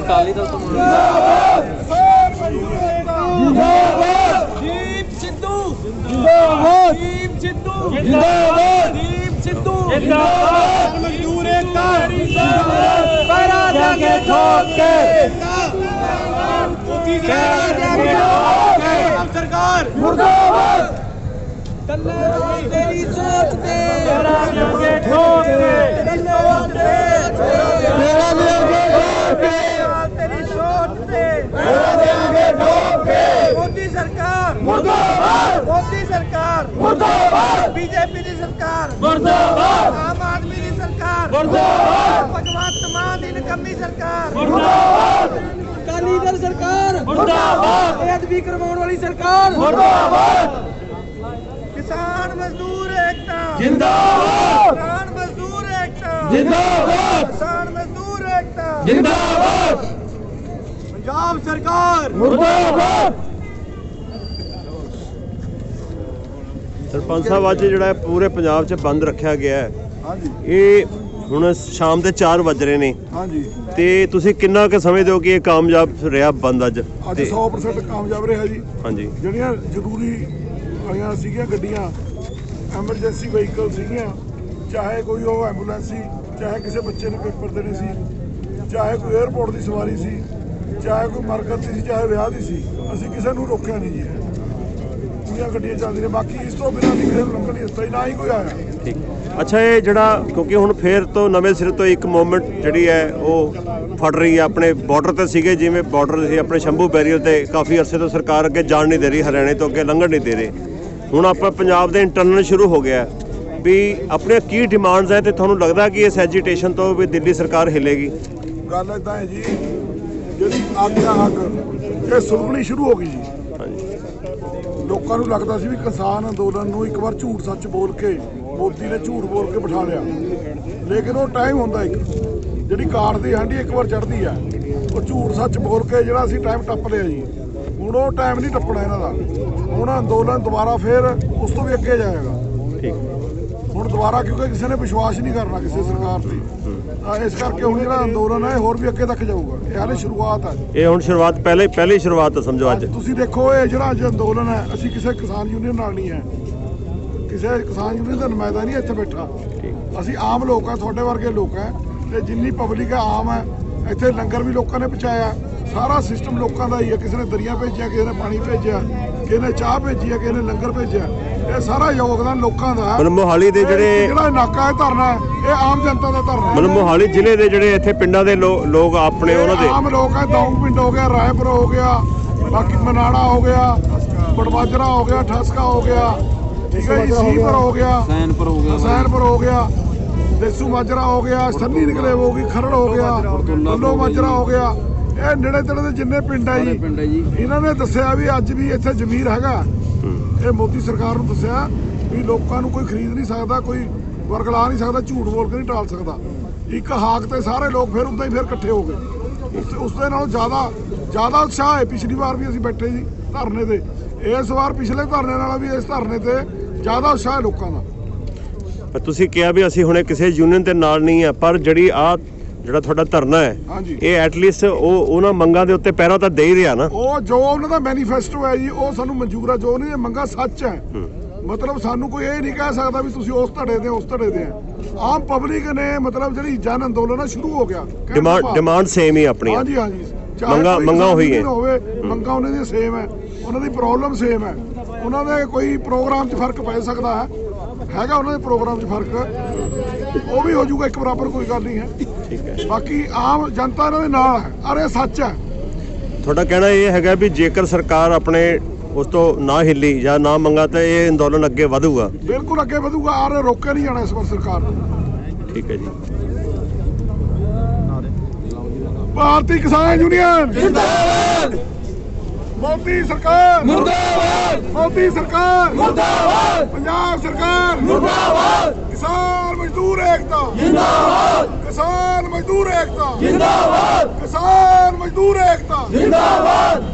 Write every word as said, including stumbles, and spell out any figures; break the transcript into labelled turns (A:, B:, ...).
A: ਅਕਾਲੀ ਦਲ ਤੋਂ
B: ਦੀਪ ਸਿੱਧੂ
C: ਜਿੰਦਾਬਾਦ
B: ਦੀਪ ਸਿੱਧੂ
C: ਜਿੰਦਾਬਾਦ
B: ਦੀਪ ਸਿੱਧੂ
C: ਜਿੰਦਾਬਾਦ
B: ਮਜ਼ਦੂਰ ਏਕਤਾ
C: ਪੈਰਾ ਦੇਾਂਗੇ ਠੋਕ ਕੇ
B: ਸਰਕਾਰ
C: ਮੁਰਦਾਬਾਦ
B: ਧੰਨਵਾਦ ਤੇਰੀ ਸੋਚ ਤੇ
C: ਪੈਰਾ ਦੇਾਂਗੇ ਠੋਕ ਕੇ
B: ਧੰਨਵਾਦ
C: ਪੈਰਾ ਦੇਾਂਗੇ ਠੋਕ ਕੇ
B: ਤੇਰੀ ਸੋਚ ਤੇ
C: ਪੈਰਾ ਦੇਾਂਗੇ ਠੋਕ ਕੇ
B: ਮੋਦੀ ਸਰਕਾਰ
C: ਮੁਰਦਾਬਾਦ
B: ਮੋਦੀ ਸਰਕਾਰ
C: ਮੁਰਦਾਬਾਦ
B: ਬੀਜੇਪੀ ਦੀ ਸਰਕਾਰ
C: ਮੁਰਦਾਬਾਦ
B: ਆਮ ਆਦਮੀ ਦੀ ਸਰਕਾਰ
C: ਮੁਰਦਾਬਾਦ
B: ਭਗਵੰਤ ਮਾਨ ਦੀ ਨਿਕੰਮੀ ਸਰਕਾਰ
C: ਮੁਰਦਾਬਾਦ
B: ਅਕਾਲੀ ਦਲ ਸਰਕਾਰ
C: ਮੁਰਦਾਬਾਦ
B: ਬੇਅਦਬੀ ਕਰਵਾਉਣ ਵਾਲੀ ਸਰਕਾਰ
C: ਮੁਰਦਾਬਾਦ
B: ਕਿਸਾਨ ਮਜ਼ਦੂਰ ਏਕਤਾ
C: ਜਿੰਦਾਬਾਦ
B: ਕਿਸਾਨ ਮਜ਼ਦੂਰ ਏਕਤਾ
C: ਜਿੰਦਾਬਾਦ
B: ਕਿਸਾਨ ਮਜ਼ਦੂਰ ਏਕਤਾ
C: ਜਿੰਦਾਬਾਦ
B: ਪੰਜਾਬ ਸਰਕਾਰ
C: ਮੁਰਦਾਬਾਦ
D: ਸਰਪੰਚ ਸਾਹਿਬ ਅੱਜ ਜਿਹੜਾ ਪੂਰੇ ਪੰਜਾਬ 'ਚ ਬੰਦ ਰੱਖਿਆ ਗਿਆ ਹੈ
E: ਹਾਂਜੀ
D: ਇਹ ਹੁਣ ਸ਼ਾਮ ਦੇ ਚਾਰ ਵੱਜ ਰਹੇ ਨੇ
E: ਹਾਂਜੀ
D: ਤੇ ਤੁਸੀਂ ਕਿੰਨਾ ਕੁ ਸਮਝਦੇ ਹੋ ਕਿ ਇਹ ਕਾਮਯਾਬ ਰਿਹਾ ਬੰਦ ਅੱਜ
E: ਅੱਜ
D: ਤੇ
E: ਸੌ ਪਰਸੈਂਟ ਕਾਮਯਾਬ ਰਿਹਾ ਜੀ।
D: ਹਾਂਜੀ
E: ਜਿਹੜੀਆਂ ਜ਼ਰੂਰੀ ਆਈਆਂ ਸੀਗੀਆਂ ਗੱਡੀਆਂ ਐਮਰਜੈਂਸੀ ਵਹੀਕਲ ਸੀਗੀਆਂ, ਚਾਹੇ ਕੋਈ ਉਹ ਐਂਬੂਲੈਂਸ ਸੀ, ਚਾਹੇ ਕਿਸੇ ਬੱਚੇ ਨੂੰ ਪੇਪਰ ਦੇਣੇ ਸੀ, ਚਾਹੇ ਕੋਈ 에ਅਰਪੋਰਟ ਦੀ ਸਵਾਰੀ ਸੀ, ਚਾਹੇ ਕੋਈ ਮਰਕਤ ਦੀ ਸੀ, ਚਾਹੇ ਵਿਆਹ ਦੀ ਸੀ, ਅਸੀਂ ਕਿਸੇ ਨੂੰ ਰੋਕਿਆ ਨਹੀਂ ਜੀ। ਪੂਰੀਆਂ ਗੱਡੀਆਂ ਚੱਲਦੀਆਂ ਨੇ, ਬਾਕੀ ਇਸ ਤੋਂ ਬਿਨਾਂ ਨਹੀਂ ਕਿਸੇ ਨੂੰ ਲੰਘਣ ਨਹੀਂ ਦਿੱਤਾ ਜੀ, ਨਾ ਹੀ ਕੋਈ ਆਇਆ।
D: ਠੀਕ। ਅੱਛਾ, ਇਹ ਜਿਹੜਾ ਕਿਉਂਕਿ ਹੁਣ ਫੇਰ ਤੋਂ ਨਵੇਂ ਸਿਰੇ ਤੋਂ ਇੱਕ ਮੂਵਮੈਂਟ ਜਿਹੜੀ ਹੈ ਉਹ ਫੜ ਰਹੀ ਹੈ। ਆਪਣੇ ਬਾਰਡਰ ਤੇ ਸੀਗੇ, ਜਿਵੇਂ ਬਾਰਡਰ ਸੀ ਆਪਣੇ ਸ਼ੰਭੂ ਬੈਰੀਅਰ ਤੇ ਕਾਫੀ ਅਰਸੇ ਤੋਂ ਸਰਕਾਰ ਅੱਗੇ ਜਾਣ ਨਹੀਂ ਦੇ ਰਹੀ, ਹਰਿਆਣੇ ਤੋਂ ਅੱਗੇ ਲੰਘਣ ਨਹੀਂ ਦੇ ਰਹੇ। ਹੁਣ ਆਪਾਂ ਪੰਜਾਬ ਦੇ ਇੰਟਰਨਲ ਸ਼ੁਰੂ ਹੋ ਗਿਆ ਵੀ ਆਪਣੀਆਂ ਕੀ ਡਿਮਾਂਡਸ ਹੈ ਤੇ ਤੁਹਾਨੂੰ ਲੱਗਦਾ ਕਿ ਇਸ ਐਜੀਟੇਸ਼ਨ ਤੋਂ ਵੀ ਦਿੱਲੀ ਸਰਕਾਰ ਹਿੱਲੇਗੀ?
E: ਗੱਲ ਇੱਦਾਂ ਹੈ ਜੀ, ਜਿਹੜੀ ਅੱਗ ਆ ਅੱਗ ਇਹ ਸੁਲਗਣੀ ਸ਼ੁਰੂ ਹੋ ਗਈ ਜੀ।
D: ਹਾਂਜੀ।
E: ਲੋਕਾਂ ਨੂੰ ਲੱਗਦਾ ਸੀ ਵੀ ਕਿਸਾਨ ਅੰਦੋਲਨ ਨੂੰ ਇੱਕ ਵਾਰ ਝੂਠ ਸੱਚ ਬੋਲ ਕੇ ਮੋਦੀ ਨੇ ਝੂਠ ਬੋਲ ਕੇ ਬਿਠਾ ਲਿਆ, ਲੇਕਿਨ ਉਹ ਟਾਈਮ ਹੁੰਦਾ ਇੱਕ ਜਿਹੜੀ ਕਾਠ ਦੀ ਹਾਂਡੀ ਇੱਕ ਵਾਰ ਚੜ੍ਹਦੀ ਆ, ਉਹ ਝੂਠ ਸੱਚ ਬੋਲ ਕੇ ਜਿਹੜਾ ਅਸੀਂ ਟਾਈਮ ਟੱਪ ਲਿਆ ਜੀ। ਹੁਣ ਉਹ ਟਾਈਮ ਨਹੀਂ ਟੱਪਣਾ ਇਹਨਾਂ ਦਾ। ਹੁਣ ਅੰਦੋਲਨ ਦੁਬਾਰਾ ਫੇਰ ਉਸ ਤੋਂ ਵੀ ਅੱਗੇ ਜਾਏਗਾ।
D: ਠੀਕ।
E: ਹੁਣ ਦੁਬਾਰਾ ਕਿਉਂਕਿ ਕਿਸੇ ਨੇ ਵਿਸ਼ਵਾਸ ਨਹੀਂ ਕਰਨਾ ਕਿਸੇ ਸਰਕਾਰ ਤੇ, ਤਾਂ ਇਸ ਕਰਕੇ ਹੁਣ ਜਿਹੜਾ ਅੰਦੋਲਨ ਹੈ ਹੋਰ ਵੀ ਅੱਗੇ ਤੱਕ ਜਾਊਗਾ। ਇਹ ਹਾਲੇ ਸ਼ੁਰੂਆਤ ਹੈ।
D: ਇਹ ਹੁਣ ਸ਼ੁਰੂਆਤ ਪਹਿਲੇ ਪਹਿਲੀ ਸ਼ੁਰੂਆਤ ਹੈ ਸਮਝੋ ਅੱਜ।
E: ਤੁਸੀਂ ਦੇਖੋ ਇਹ ਜਿਹੜਾ ਅੱਜ ਅੰਦੋਲਨ ਹੈ, ਅਸੀਂ ਕਿਸੇ ਕਿਸਾਨ ਯੂਨੀਅਨ ਨਾਲ ਨਹੀਂ ਹੈ, ਕਿਸੇ ਕਿਸਾਨ ਯੂਨੀਅਨ ਦਾ ਨੁਮਾਇੰਦਾ ਨਹੀਂ ਇੱਥੇ ਬੈਠਾ। ਅਸੀਂ ਆਮ ਲੋਕ ਆ, ਤੁਹਾਡੇ ਵਰਗੇ ਲੋਕ ਹੈ, ਤੇ ਜਿੰਨੀ ਪਬਲਿਕ ਹੈ ਆਮ ਹੈ। ਇੱਥੇ ਲੰਗਰ ਵੀ ਲੋਕਾਂ ਨੇ ਪਹੁੰਚਾਇਆ, ਸਾਰਾ ਸਿਸਟਮ ਲੋਕਾਂ ਦਾ ਹੀ ਹੈ। ਕਿਸੇ ਨੇ ਦਰੀਆਂ ਭੇਜਿਆ, ਕਿਸੇ ਨੇ ਪਾਣੀ ਭੇਜਿਆ, ਕਿਸੇ ਨੇ ਚਾਹ ਭੇਜੀ ਹੈ, ਕਿਸੇ ਨੇ ਲੰਗਰ ਭੇਜਿਆ। ਇਹ ਸਾਰਾ ਯੋਗਦਾਨ ਲੋਕਾਂ ਦਾ ਹੈ।
D: ਮਤਲਬ ਮੋਹਾਲੀ ਦੇ ਜਿਹੜੇ
E: ਜਿਹੜਾ ਨਾਕਾ ਹੈ ਧਰਨਾ ਹੈ, ਇਹ ਆਮ ਜਨਤਾ ਦਾ ਧਰਨਾ ਹੈ।
D: ਮਤਲਬ ਮੋਹਾਲੀ ਜ਼ਿਲ੍ਹੇ ਦੇ ਜਿਹੜੇ ਇੱਥੇ ਪਿੰਡਾਂ ਦੇ ਲੋਕ ਆਪਣੇ ਉਹਨਾਂ ਦੇ
E: ਆਮ ਲੋਕ ਹੈ। ਦੌਂਗ ਪਿੰਡ ਹੋ ਗਿਆ, ਰਾਏਪੁਰ ਹੋ ਗਿਆ, ਬਾਕੀ ਮਨਾੜਾ ਹੋ ਗਿਆ, ਬੜਵਾਜਰਾ ਹੋ ਗਿਆ, ਠਸਕਾ ਹੋ ਗਿਆ, ਠੀਕ ਹੈ ਜੀ, ਸੀਪੁਰ ਹੋ ਗਿਆ, ਹਸੈਨਪੁਰ ਹੋ ਗਿਆ, ਹਸੈਨਪੁਰ ਹੋ ਗਿਆ, ਦੇਸੂ ਮਾਜਰਾ ਹੋ ਗਿਆ, ਸੰਨੀ ਨਿਕਲੇ ਹੋ ਗਈ, ਖਰੜ ਹੋ ਗਿਆ, ਬੱਲੋ ਮਾਜਰਾ ਹੋ ਗਿਆ। ਇਹ ਨੇੜੇ ਤੇੜੇ ਦੇ ਜਿੰਨੇ ਪਿੰਡ ਹੈ ਜੀ, ਇਹਨਾਂ ਨੇ ਦੱਸਿਆ ਵੀ ਅੱਜ ਵੀ ਇੱਥੇ ਜ਼ਮੀਰ ਹੈਗਾ। ਇਹ ਮੋਦੀ ਸਰਕਾਰ ਨੂੰ ਦੱਸਿਆ ਵੀ ਲੋਕਾਂ ਨੂੰ ਕੋਈ ਖਰੀਦ ਨਹੀਂ ਸਕਦਾ, ਕੋਈ ਵਰਗਲਾ ਨਹੀਂ ਸਕਦਾ, ਝੂਠ ਬੋਲ ਕੇ ਨਹੀਂ ਟਾਲ ਸਕਦਾ। ਇੱਕ ਹਾਕ ਤੇ ਸਾਰੇ ਲੋਕ ਫਿਰ ਉਦਾਂ ਹੀ ਫਿਰ ਇਕੱਠੇ ਹੋ ਗਏ। ਉਸ ਉਸ ਦੇ ਨਾਲੋਂ ਜ਼ਿਆਦਾ ਜ਼ਿਆਦਾ ਉਤਸ਼ਾਹ ਹੈ। ਪਿਛਲੀ ਵਾਰ ਵੀ ਅਸੀਂ ਬੈਠੇ ਸੀ ਧਰਨੇ ਤੇ, ਇਸ ਵਾਰ ਪਿਛਲੇ ਧਰਨੇ ਨਾਲੋਂ ਵੀ ਇਸ ਧਰਨੇ ਤੇ ਜ਼ਿਆਦਾ ਉਤਸ਼ਾਹ ਹੈ ਲੋਕਾਂ ਦਾ।
D: ਤੁਸੀਂ ਕਿਹਾ ਵੀ ਅਸੀਂ ਹੁਣੇ ਕਿਸੇ ਯੂਨੀਅਨ ਦੇ ਨਾਲ ਨਹੀਂ ਆ, ਪਰ ਜਿਹੜੀ ਆ ਜਿਹੜਾ ਤੁਹਾਡਾ ਧਰਨਾ ਹੈ ਇਹ ਐਟਲੀਸਟ ਉਹ ਉਹਨਾਂ ਮੰਗਾਂ ਦੇ ਉੱਤੇ ਪਹਿਰਾ ਤਾਂ ਦੇ ਹੀ ਰਿਹਾ ਨਾ।
E: ਉਹ ਜੋ ਉਹਨਾਂ ਦਾ ਮੈਨੀਫੈਸਟੋ ਹੈ ਜੀ, ਉਹ ਸਾਨੂੰ ਮਨਜ਼ੂਰ ਹੈ। ਜੋ ਉਹਨਾਂ ਦੀਆਂ ਮੰਗਾਂ ਸੱਚ ਹੈ, ਮਤਲਬ ਸਾਨੂੰ ਕੋਈ ਇਹ ਨਹੀਂ ਕਹਿ ਸਕਦਾ ਵੀ ਤੁਸੀਂ ਉਸ ਧੜੇ ਦੇ ਉਸ ਧੜੇ ਦੇ ਆ। ਆਮ ਪਬਲਿਕ ਨੇ ਮਤਲਬ ਜਿਹੜੀ ਜਨ ਅੰਦੋਲਨ ਸ਼ੁਰੂ ਹੋ ਗਿਆ।
D: ਡਿਮਾਂਡ ਡਿਮਾਂਡ ਸੇਮ ਹੀ ਆਪਣੀ।
E: ਹਾਂਜੀ ਹਾਂਜੀ,
D: ਮੰਗਾਂ ਮੰਗਾਂ ਹੋਈ ਹੈ,
E: ਮੰਗਾਂ ਉਹਨਾਂ ਦੀਆਂ ਸੇਮ ਹੈ, ਉਹਨਾਂ ਦੀ ਪ੍ਰੋਬਲਮ ਸੇਮ ਹੈ। ਉਹਨਾਂ ਦੇ ਕੋਈ ਪ੍ਰੋਗਰਾਮ 'ਚ ਫਰਕ ਪੈ ਸਕਦਾ ਹੈ, ਹੈਗਾ ਉਹਨਾਂ ਦੇ ਪ੍ਰੋਗਰਾਮ 'ਚ ਫਰਕ, ਉਹ ਵੀ ਹੋ ਜਾਊਗਾ ਇੱਕ ਬਰਾਬਰ, ਕੋਈ ਗੱਲ ਨਹੀਂ ਹੈ।
D: ਠੀਕ ਹੈ।
E: ਬਾਕੀ ਆਮ ਜਨਤਾ ਇਹਨਾਂ ਦੇ ਨਾਲ ਹੈ, ਅਰੇ ਸੱਚ ਹੈ।
D: ਤੁਹਾਡਾ ਕਹਿਣਾ ਇਹ ਹੈਗਾ ਵੀ ਜੇਕਰ ਸਰਕਾਰ ਆਪਣੇ ਉਸ ਤੋਂ ਨਾ ਹਿੱਲੀ ਜਾਂ ਨਾ ਮੰਗਾ ਤਾਂ ਇਹ ਅੰਦੋਲਨ ਅੱਗੇ ਵਧੂਗਾ?
E: ਬਿਲਕੁਲ ਅੱਗੇ ਵਧੂਗਾ, ਆਰੇ ਰੋਕਿਆ ਨਹੀਂ ਜਾਣਾ ਇਸ ਵਾਰ ਸਰਕਾਰ ਨੂੰ।
D: ਠੀਕ ਹੈ ਜੀ।
E: ਭਾਰਤੀ ਕਿਸਾਨ ਯੂਨੀਅਨ ਜਿੰਦਾਬਾਦ, ਮੋਦੀ ਸਰਕਾਰ ਮੁਰਦਾਬਾਦ, ਮੋਦੀ ਸਰਕਾਰ ਮੁਰਦਾਬਾਦ, ਪੰਜਾਬ ਸਰਕਾਰ ਮੁਰਦਾਬਾਦ, ਕਿਸਾਨ ਮਜ਼ਦੂਰ ਏਕਤਾ ਜਿੰਦਾਬਾਦ, ਕਿਸਾਨ ਮਜ਼ਦੂਰ ਏਕਤਾ ਜਿੰਦਾਬਾਦ, ਕਿਸਾਨ ਮਜ਼ਦੂਰ ਏਕਤਾ ਜਿੰਦਾਬਾਦ।